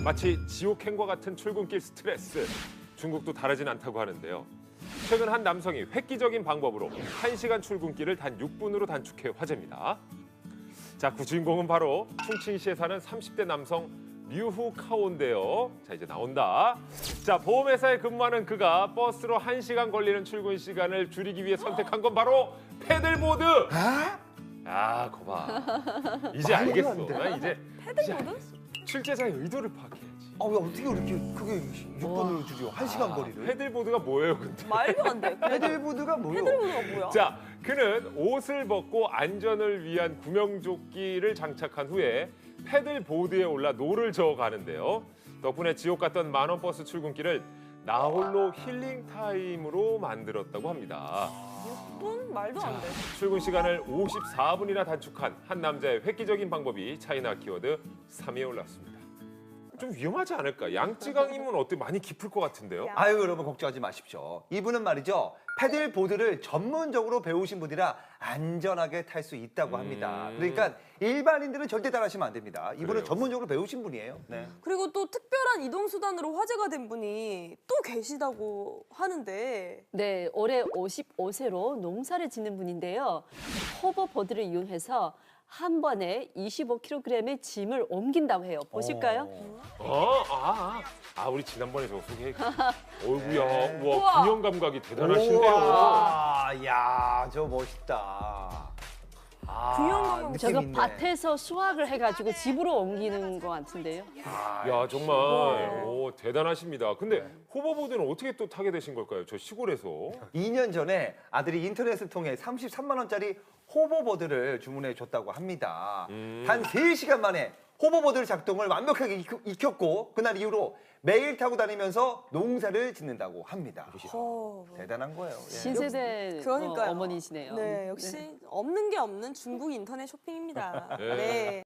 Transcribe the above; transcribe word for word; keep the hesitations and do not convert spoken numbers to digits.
마치 지옥행과 같은 출근길 스트레스. 중국도 다르진 않다고 하는데요. 최근 한 남성이 획기적인 방법으로 한 시간 출근길을 단 육 분으로 단축해 화제입니다. 자, 그 주인공은 바로 충칭시에 사는 삼십 대 남성 류후 카오인데요. 자, 이제 나온다. 자, 보험회사에 근무하는 그가 버스로 한 시간 걸리는 출근 시간을 줄이기 위해 선택한 건 바로 패들보드. 아, 거봐. 이제 말도 알겠어. 안 돼. 나 이제 패들보드? 이제 알겠어. 출제자의 의도를 파악해야지. 아, 왜 어떻게 그렇게 그게 육 분으로 줄여? 한 시간 거리를? 패들보드가 뭐예요, 근데? 말도 안 돼. 패들보드가 뭐요? 패들보드가 뭐야? 자, 그는 옷을 벗고 안전을 위한 구명조끼를 장착한 후에 패들보드에 올라 노를 저어 가는데요. 덕분에 지옥 같던 만원 버스 출근길을 나홀로 힐링 타임으로 만들었다고 합니다. 육 분? 말도 안 돼. 출근 시간을 오십사 분이나 단축한 한 남자의 획기적인 방법이 차이나 키워드 삼 위에 올랐습니다. 좀 위험하지 않을까? 양쯔강이면 어때? 많이 깊을 것 같은데요? 아유, 여러분 걱정하지 마십시오. 이분은 말이죠. 패들보드를 전문적으로 배우신 분이라 안전하게 탈 수 있다고 합니다. 음. 그러니까 일반인들은 절대 따라하시면 안 됩니다. 이분은 그래요? 전문적으로 배우신 분이에요. 네. 그리고 또 특별한 이동수단으로 화제가 된 분이 또 계시다고 하는데 네, 올해 오십오 세로 농사를 짓는 분인데요. 호버보드를 이용해서 한 번에 이십오 킬로그램의 짐을 옮긴다고 해요. 보실까요? 어. 어, 아, 아, 아, 우리 지난번에 저거 소개했. 어이구야, 네. 우와, 우와. 균형 감각이 대단하신데요. 우와, 야, 저 멋있다. 아, 균형 감각 느낌 저거 있네. 밭에서 수확을 해가지고 집으로 옮기는 것 같은데요. 아, 야, 정말 우와. 오, 대단하십니다. 근데 호버보드는 어떻게 또 타게 되신 걸까요? 저 시골에서. 이 년 전에 아들이 인터넷을 통해 삼십삼만 원짜리 호버보드를 주문해 줬다고 합니다. 음. 단 세 시간 만에 호버보드 작동을 완벽하게 익- 익혔고 그날 이후로 매일 타고 다니면서 농사를 짓는다고 합니다. 어, 대단한 거예요. 예. 신세대 그러니까요. 어, 어머니시네요. 네, 역시 없는 게 없는 중국 인터넷 쇼핑입니다. 네. 네.